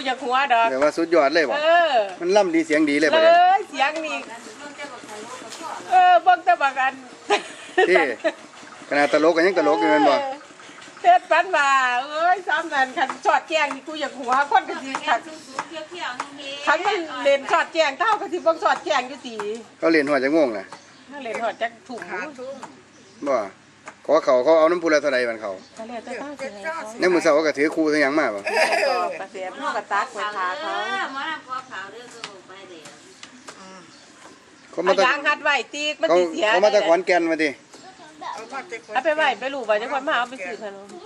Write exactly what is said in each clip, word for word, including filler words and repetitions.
อยากหัวดอกแต่ว่าสุดยอดเลยบ่มันล่ำดีเสียงดีเลยบ่เลยเสียงนี่เออเบิ่งแต่บักอันที่ขนาดตลกกันยังตลกอยู่นั่นบ่เทศปันว่าเอ้ยซ้ำนั่นคันชอดแจ้งนี่กูอยากหัวคนก็สิคันคันมันเล่นชอดแจ้งเท่าก็สิเบิ่งชอดแจ้งอยู่ติเขาเล่นหัวจะงงน่ะถ้าเล่นหัวจักถุงบ่ขอเขาเขาเอาน้ำพุละเท่าใดบัดเขาเนี่ยมื้อเช้าก็ถือคู่ทั้งหยังมาบ่กระเสียบเฮาก็ตักไว้ทาเขาหมอน้ำขอขาวเด้อก็ไปเด้อเขามาตะยางหัดไว้ตีกมันสิเสียเขามาตะขอนแก่นมาติเอาไปไว้ไปลูกว่าจังคนมาเอาไปซื้อขนม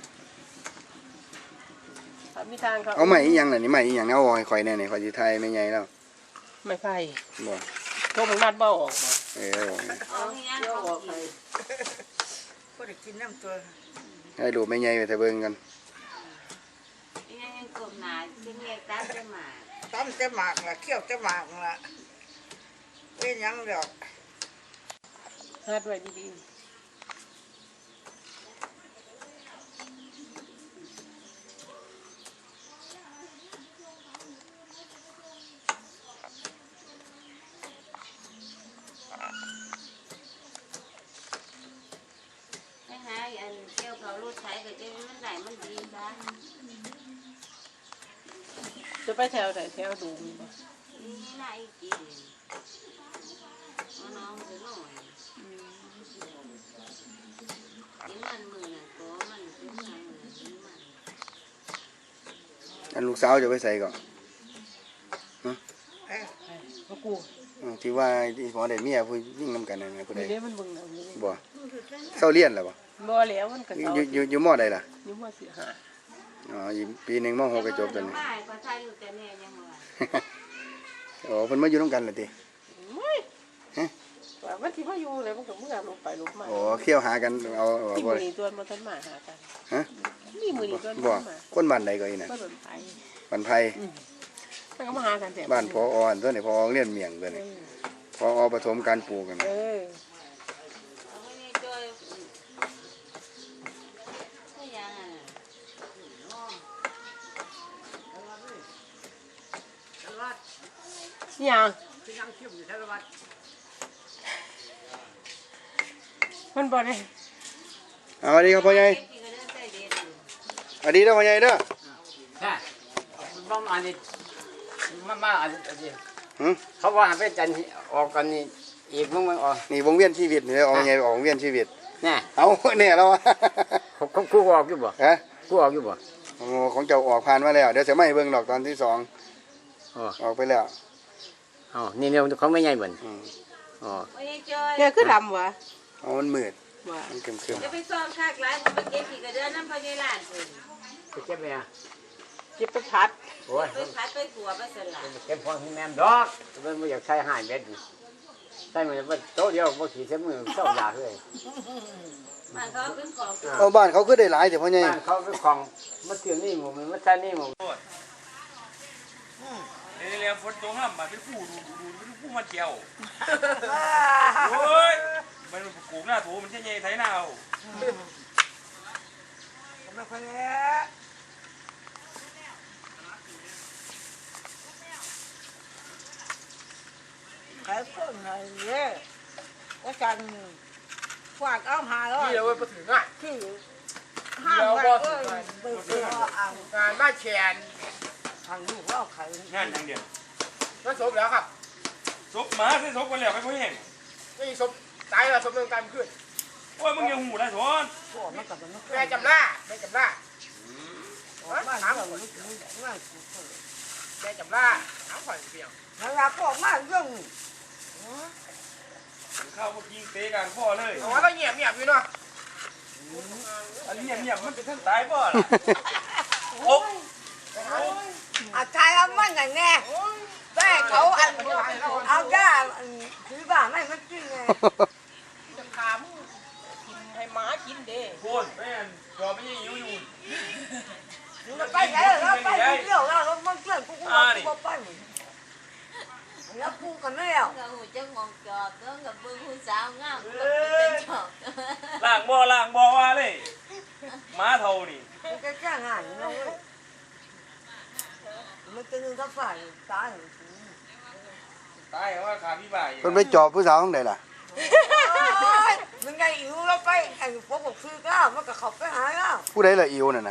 มีทางเขาเอาใหม่อีหยังน่ะนี่ใหม่อีหยังเอาให้ข่อยแน่นี่ข่อยสิถ่ายแม่ใหญ่แล้วไม่ไฟบ่โทรมึงนัดบ่ออกบ่เออเอาอีหยังออกไปบ่ได้กินน้ำตัวให้ลูกแม่ใหญ่ไปแต่เบิ่งกันอีหยังยังกบหน้าสิเรียกตามจะมาตามจะหมากล่ะเคี่ยวจะหมากล่ะเป็นหยังดอกหัดไว้ดีๆอันเกี่ยวเขาลูกใช้ก็จะมันได้มันดีบ้างจะไปแถวไหนแถวดูมีบ่นี่น่าอีกทีน้องจะหน่อยกินมันมือน่ะก็มันเป็นไงมือกินมันอันลูกสาวจะไปใส่ก่อนฮะเอ้พ่อกูที่ว่าที่หมอได้เมียผู้ยิ่งนำกันนั่นไงผู้ใดนี่มันเบิ่งน่ะบ่เซาเรียนแล้วบ่บ่แล้วมันก็อยู่อยู่อยู่มอใดล่ะอยู่มอสี่ห้าอ๋ออยู่ปีนึงมอหกก็จบกันนี่ก็ใช่อยู่แต่แน่ยังว่าอ๋อเพิ่นมาอยู่นำกันล่ะติฮะว่ามันสิมาอยู่เลยมันก็เมื่อลงไปลงมาอ๋อเคี่ยวหากันเอาบ่มีตัวมันทันมาหากันฮะมีมื้อนี้ตัวบ่คนบ้านใดก็อีน่ะบ้านไผบ้านไผมันก็มาหากันแต่บ้านพออ่อนตัวนี้พอเรียนเมียงตัวนี้พอปฐมการปลูกกันเออยังมันบ่ได้เอาดีครับพ่อใหญ่อดีเด้อพ่อใหญ่เด้อใช่บ้าอันนี้มามาอันนี้หือเขาว่าเป็นจันออกกันนี่อีกมึงมึงออกนี่วงเวียนชีวิตนี่ออกไงออกวงเวียนชีวิตเนี่ยเอาเนี่ยแล้วเขาคู่ออกอยู่บ่ฮะคู่ออกอยู่บ่โอ้ของเจ้าออกผ่านมาแล้วเดี๋ยวจะไม่เบิ่งดอกตอนที่สองออกไปแล้วอ๋อนี่เนี่ยเขาไม่ใหญ่เหมือนอ๋อเนี่ยคือดำวะอ๋อมันมืดมันเข้มๆจะไปซ้อมคากหลายมันไปเก็บขี้กระเดือนน้ำพญาลานเพิ่นไปเก็บไปอ่ะเก็บไปพัดโอ้ยไปพัดไปขัวไปสลัดเก็บพอที่แม่ดอกมันไม่อยากใช้ห้าเม็ดใช่เหมือนว่าโต๊ะเดียวบ่ขี่เส้นมือเจ้าอยากเลยบ้านเขาเป็นของเอาบ้านเขาคือได้หลายแต่พ่อใหญ่บ้านเขาเป็นของมาเกี่ยวนี่หมู่มาใช้นี่หมู่เรียนฝนตกแล้วมาเป็นผู้ดูดูเป็นผู้มาเกี่ยวโอ้ยมันปลูกหน้าถูมันใช่ไงไถหน้าเอาไม่ค่อยแย่ขายคนไหนเนี่ยว่าจันฝากเอาหาแล้วที่เราไปถึงอ่ะที่ห้ามไปเออไปเสืออ่างการบ้านแขนทางลูกเราขายงานทางเดียวก็ศพแล้วครับศพหมาใช่ศพกันแล้วไปพ่อเองไม่ศพตายแล้วศพเรื่องการขึ้นโอ้ยมึงยังหูได้สอนแม่จำหน้าแม่จำหน้าบ้านเราลูกนี่ง่ายแม่จำหน้าน้ำข่อยเปียกแล้วเราก็มาเรื่องข้าวพวกยิงเตะกันพ่อเลยอ๋อเราเงียบเงียบอยู่เนาะอันนี้เงียบมันเป็นท่านตายพ่อโอ้อาชายเอามันไงแน่แม่เขาอันเอาด้าถือบ้าไม่มันจริงไงจะถามกินให้หมากินเด้โคตรแม่จอไม่ยังอยู่อยู่เราไปไหนเราไปเที่ยวเราเรามันเพื่อนกูกูกูไปแล้วกูกันไม่แล้วก็หูจะงงจอบก็กับเบิ้งหูสาวงามก็เป็นจอบล่างบ่อล่างบ่อว่าเลยม้าเท่านี่จะจ้างงานเรามันจะนึงกับฝ่ายตายตายว่าขาพี่บ่ายเพิ่นไปจอบผู้สาวข้างใดล่ะมันไงอิ๋วแล้วไปไอ้พวกบอกซื้อก้าวมันก็เขาไปหาก้าวผู้ใดล่ะอิวนั่นน่ะ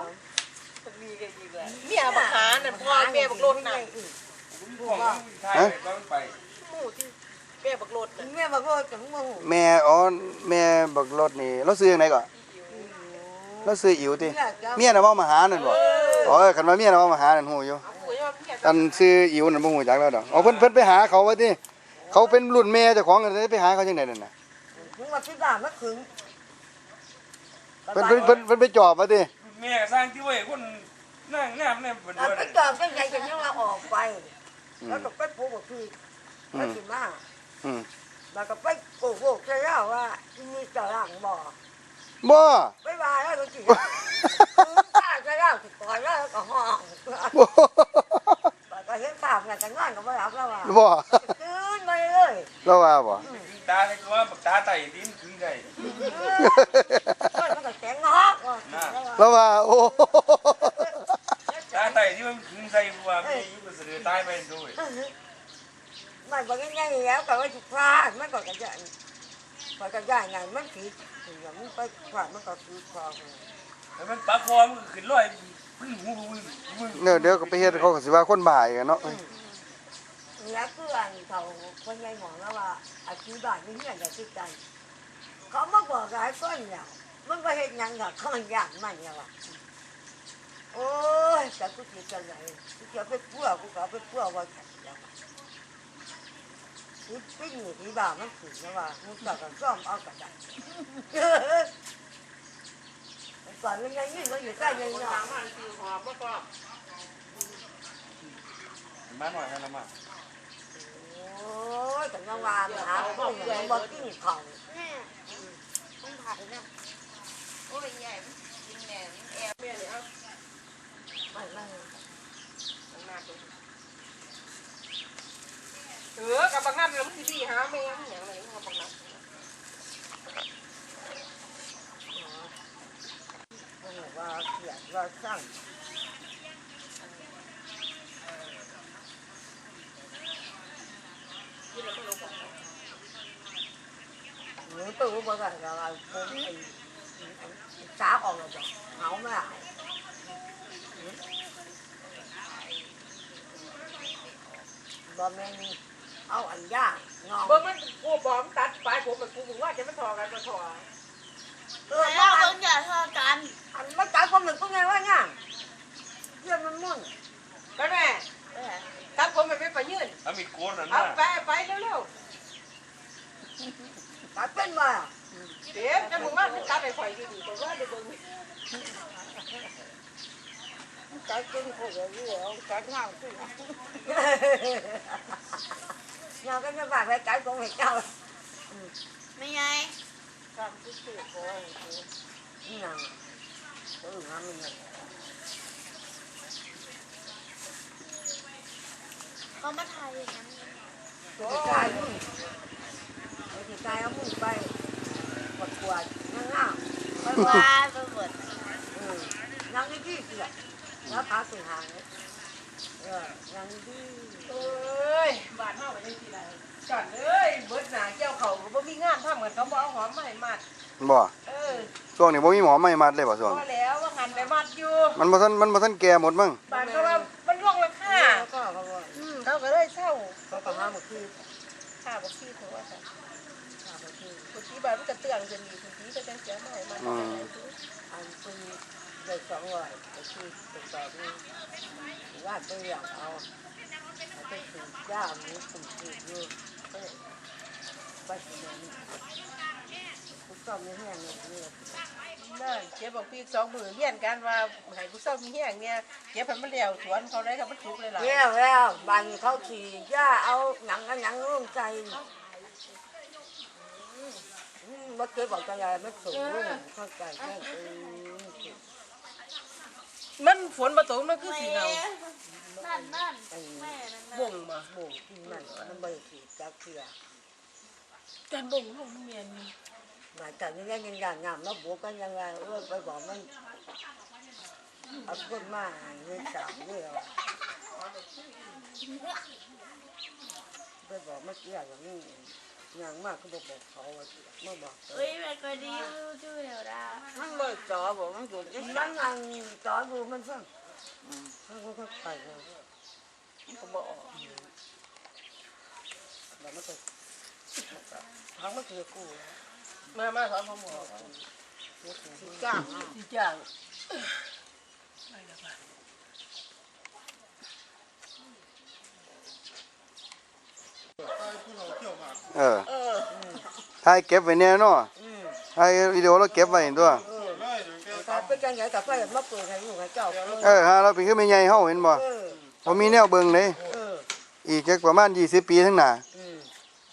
เมียบักหาน่ะพ่อแม่บักรถน่ะของไทยต้องไปหมู่ที่แม่บักรถน่ะแม่บอกว่าจังว่าหูแม่อ๋อแม่บักรถนี่เราซื้อจังไดก่อนเราซื้ออิวติเมียน่ะเว้ามาหานั่นบ่อ๋อคันว่าเมียน่ะเว้ามาหานั่นฮู้อยู่เอาผู้ว่าเมียอันซื้ออิวนั่นบ่ฮู้จักแล้วดอกอ๋อเพิ่นเพิ่นไปหาเขาว่าติเขาเป็นรุ่นแม่เจ้าของกันเลยไปหาเขาจังไดนั่นน่ะมึงมาที่บ้านมาถึงเพิ่นเพิ่นเพิ่นเพิ่นไปจอบว่าติแม่สร้างที่ไว้คนนั่งน้ำเนี่ยเป็นไปจอดกันไงจะยังเราออกไปแล้วก็ไปปลูกบอกซื้อไปกินมาอืมแล้วก็ไปโกหกใช่แล้วว่ามีเจ้าหลังบ่บ่ไปมาแล้วก็กินข้าใช่แล้วติดต่อแล้วก็ห้องบ่ก็เห็นภาพไงกันงานก็ไม่รับแล้วว่าบ่ตื่นมาเลยเราว่าบ่ตาเลยว่าตาไต่ดินคือไงมันก็แข็งงอกเราว่าโอ้ตาไต่ที่มันคือใส่บัวไม่ยุบเสือตายไปด้วยมันบอกง่ายๆแล้วก็ว่าจุดพลาดมันก็กระจายพอกระจายไงมันผิดอย่างมันไปพลาดมันก็คือพลาดแล้วมันปลาคอมันขึ้นลอยพึ่งหูพึ่งพึ่งเดี๋ยวเดี๋ยวก็ไปเฮ็ดเขาก็สิว่าคนบ่ายกันเนาะแล้วคืออันเขาคนใหญ่หมอแล้วว่าอาชีพบ้านนี่เนี่ยจะคิดกันเขามาบอกหลายคนเนี่ยมันไปเห็นยังกับเขาอยากมันเนี่ยว่ะโอ้ยแต่กูคิดกันไหนกูจะไปพัวกูก็ไปพัวว่าแข็งแล้วกูปิ้งอยู่ที่บ้านมันถึงแล้วว่ามึงก็ซ่อมเอากระดาษก่อนมันยังยิ่งมันอยู่ใกล้ยังเนาะมันคือหอบบ่ก็มาหน่อยนะมาโอ้ยแต่ยังว่าหาพวกอย่างมันบ่กินของต้องผัดนะโอ้ยใหญ่กินแหนมแอบแม่นี่เอามันมันเออกับบักนั่นแล้วมันสิดีหาแม่หยังอะไรเอาบักนั่นมันว่าเขียนว่าสร้างหนูตู้บ่กันก็ว่าผมไอ้สาออกแล้วบ่เฮามาบ่แม่นเอาอันยากงอเบิ่งมันกูบอมตัดปลายผมไปกูบอกว่าจะมันทอกันบ่ทอเออแล้วอัต้อน งอย่าทอดกันอันมันตายความหนึ่งก็ไงว่าง่ายเพื่อนมันมุ่นก็แม่ตัดผมไปไปไปยืนเอามีโกนนั่นเอานะไปไปเร็วตายเป็นมาๆเดี๋ยวจะมึงว่าตัดไปข่อยอยู่ดีก็ว่าได้เบิ่งตายเป็นคนเดียวตายง่ายสิเราก็จะฝากไปตายของเจ้าไม่ไงทำที่สุดโอ้ยนี่นางเออทำนี่นางเขามาถ่ายอย่างนั้นตัวตายมึงตัวตายเอามึงไปประกวดง่ายไปว่าไปหมดๆเออยังดีที่สุดแล้วพาสิหางเออยังดีเอ้ยบาดเฮาไปจังซี่ล่ะจันเอ้ยเบิดหน้าเจ้าเขาก็บ่มีงานทำกันเขาบ่เอาหอมมาให้มัดบ่เออช่วงนี้บ่มีหมอไม่มัดเลยบ่ช่วงพอแล้วว่าหันไปมัดอยู่มันบ่ทันมันบ่ทันแก่หมดมั้งบานก็ว่ามันร่วงราคาแล้วก็เขาบอกอืมเขาก็เลยเช่าเขาก็หาหมดคือค่าบ่ขี้เขาว่าซั่นหาหมดคือผู้ที่บ้านมันก็เตือนจนมีผู้ที่ก็จังเสียมาให้มันอืมอันเป็นได้สองร้อยก็คือเป็นแบบนี้ว่าไปอยากเอาไปถือย่ามีปุ่มถืออยู่ไปถึงนั้นทุกต้องมีแห้งเนี่ยนั่นเจ็บบอกพี่สองมือเฮียนกันว่าให้ผู้เฒ่ามีแห้งเนี่ยเจ็บให้มันแล้วสวนเขาได้ก็มันทุกข์เลยล่ะเลี้ยวแล้วบางเขาขี่ย่าเอาหนังกันหนังร่วมใจมันเคยบอกใจไม่สูงเข้าใจแค่คือมันฝนมาตกมันคือสีเงานั่นนั่นแม่นั่นบ่งมาหมูกินมันมันไม่ขี่จักเถื่อการบ่งของเมียนนี่หมายถึงยังยังยังงามแล้วบวกกันยังไงเออไปบอกมันเอาคนมาเงินสามเดียวอย่างนี้อย่างมากก็บอกบอกเขาว่าเมื่อบอกเฮ้ยแม่ก็ดีช่วยเราได้มันเบิดจอบอกมันอยู่ที่มันนั่งจอดูมันฟังเขาก็ไปเลยมันก็บอกแล้วมันก็ทั้งมันคือกูมามาสอนผมหมอสิจ้างสิจ้างเออถ่ายเก็บไว้แน่เนาะถ่ายวิดีโอเราเก็บไว้ตัวแต่เป็นจังไงแต่ไปมาเปิดให้ลูกให้เจ้าเออฮะเราเป็นคือแม่ใหญ่เฮาเห็นบ่เออบ่มีแนวเบิ่งเลยเอออีกจักประมาณยี่สิบปีข้างหน้าอืม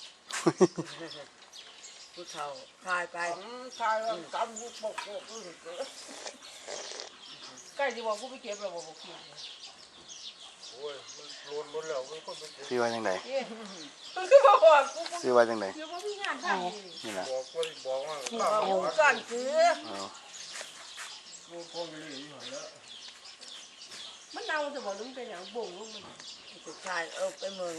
ผู้เฒ่าทายไปคายว่าตำบุกบกบกใกล้สิบอกกูไปเก็บแล้วบ่บ่กินสิว่าจังได๋มันคือบ่บอกกูสิว่าจังได๋คือบ่มีงานทำนี่ล่ะอยู่ก่อนคือเอามันเน่าจะบอกนึงเป็นหยังบ่งลงมันผู้ชายเออไปเมือง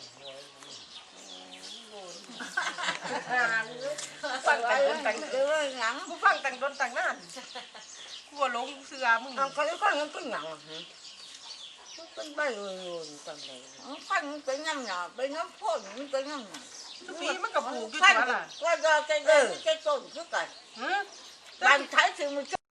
ฟังแต่งแต่งเออหนังกูฟังแต่งโดนแต่งนานกูว่าหลงเสือมึงเอาเขาก็ยังเป็นหนังมันเป็นใบโรยๆจังเลยฟันเป็นน้ำหนาเป็นน้ำพ่นมันเป็นน้ำหนาทุกปีมันก็ปลูกอยู่ฟันตัวล่ะก็จะจะจะจะต้นคือกันฮะบ้านท้ายถึงมัน